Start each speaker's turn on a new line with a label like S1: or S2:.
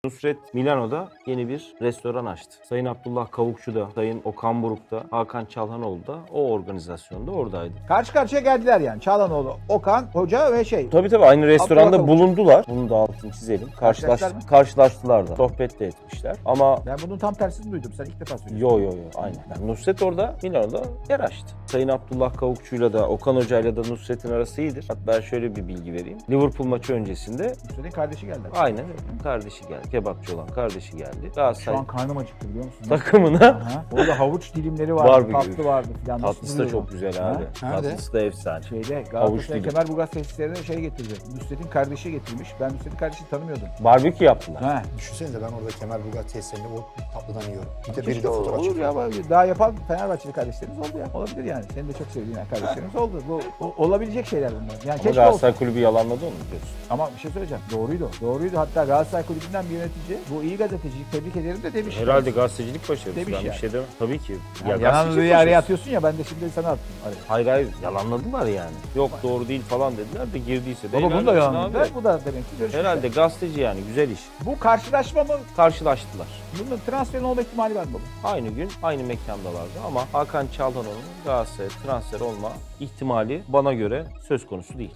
S1: Nusret Milano'da yeni bir restoran açtı. Sayın Abdullah Kavukçu da, Sayın Okan Buruk da, Hakan Çalhanoğlu da o organizasyonda oradaydı.
S2: Karşı karşıya geldiler yani. Çağlanoğlu, Okan, Hoca ve
S1: Tabii aynı restoranda
S2: Abdullah Kavukçu.
S1: bulundular. Bunu da altını çizelim.
S2: Karşılaştılar mı?
S1: Karşılaştılar da. Sohbet de etmişler. Ama
S2: Ben bunun tam tersini duydum. Sen ilk defa söylüyorsun.
S1: yo aynen. Yani Nusret orada Milano'da yer açtı. Sayın Abdullah Kavukçu'yla da Okan Hoca'yla da Nusret'in arası iyidir. Hatta şöyle bir bilgi vereyim. Liverpool maçı öncesinde
S2: Nusret'in kardeşi geldi.
S1: aynen öyle. Kardeşi geldi. Kebapçı olan kardeşi geldi.
S2: Şu
S1: Galatasaray
S2: an karnım acıktı biliyor musun?
S1: takımına
S2: Aha. Orada havuç dilimleri vardı,
S1: Var bir
S2: tatlı
S1: gibi.
S2: vardı filan. Nasıl
S1: tatlısı da
S2: duruyor
S1: çok
S2: bu?
S1: güzel
S2: Ha?
S1: abi.
S3: Nerede?
S1: Tatlısı da efsane.
S2: Şeyde
S1: Havuç
S2: Galatasaray
S1: dilim.
S2: Kemerburgaz tesislerine şey getirdi. Nusret'in kardeşi getirmiş. Ben Nusret'in kardeşini tanımıyordum.
S1: Barbekü yaptılar.
S2: Ha.
S3: Düşünsenize ben orada Kemerburgaz tesislerinde o tatlıdan yiyorum. Bir de biri
S2: Keşke
S3: de fotoğraf
S2: olur
S3: çekiyor.
S2: ya. Daha yapan Fenerbahçeli kardeşlerimiz oldu ya. Olabilir yani. Senin de çok sevdiğin kardeşlerimiz oldu. Bu olabilecek şeyler bunlar. Yani
S1: Ama
S2: keşke
S1: Galatasaray
S2: olsun.
S1: kulübü yalanladı onu biliyorsun.
S2: Ama bir şey söyleyeceğim. Doğruydu. Doğruydu. Hatta Galatasaray Kulübü'nden bir yönetici bu iyi gazeteciyi tebrik ederim de demiş.
S1: Herhalde gazetecilik başarısı.
S2: Demiş
S1: Ben bir
S2: yani.
S1: şey demem. Tabii ki.
S2: Yani
S1: gazetecilik
S2: yalanlığı araya
S1: başarısı.
S2: atıyorsun ya ben de şimdi sana attım. Araya.
S1: Hayır yalanladılar yani. Yok doğru değil falan dediler de girdiyse de.
S2: Baba bunu
S1: helal
S2: da
S1: olsun
S2: yalanladılar.
S1: abi.
S2: Bu da demek ki görüşmüşler.
S1: Herhalde gazeteci yani güzel iş.
S2: Bu karşılaşma mı?
S1: Karşılaştılar.
S2: Bunun transferin olma ihtimali var mı baba?
S1: Aynı gün aynı mekandalardı ama Hakan Çalhanoğlu'nun Galatasaray'a transfer olma ihtimali bana göre söz konusu değil.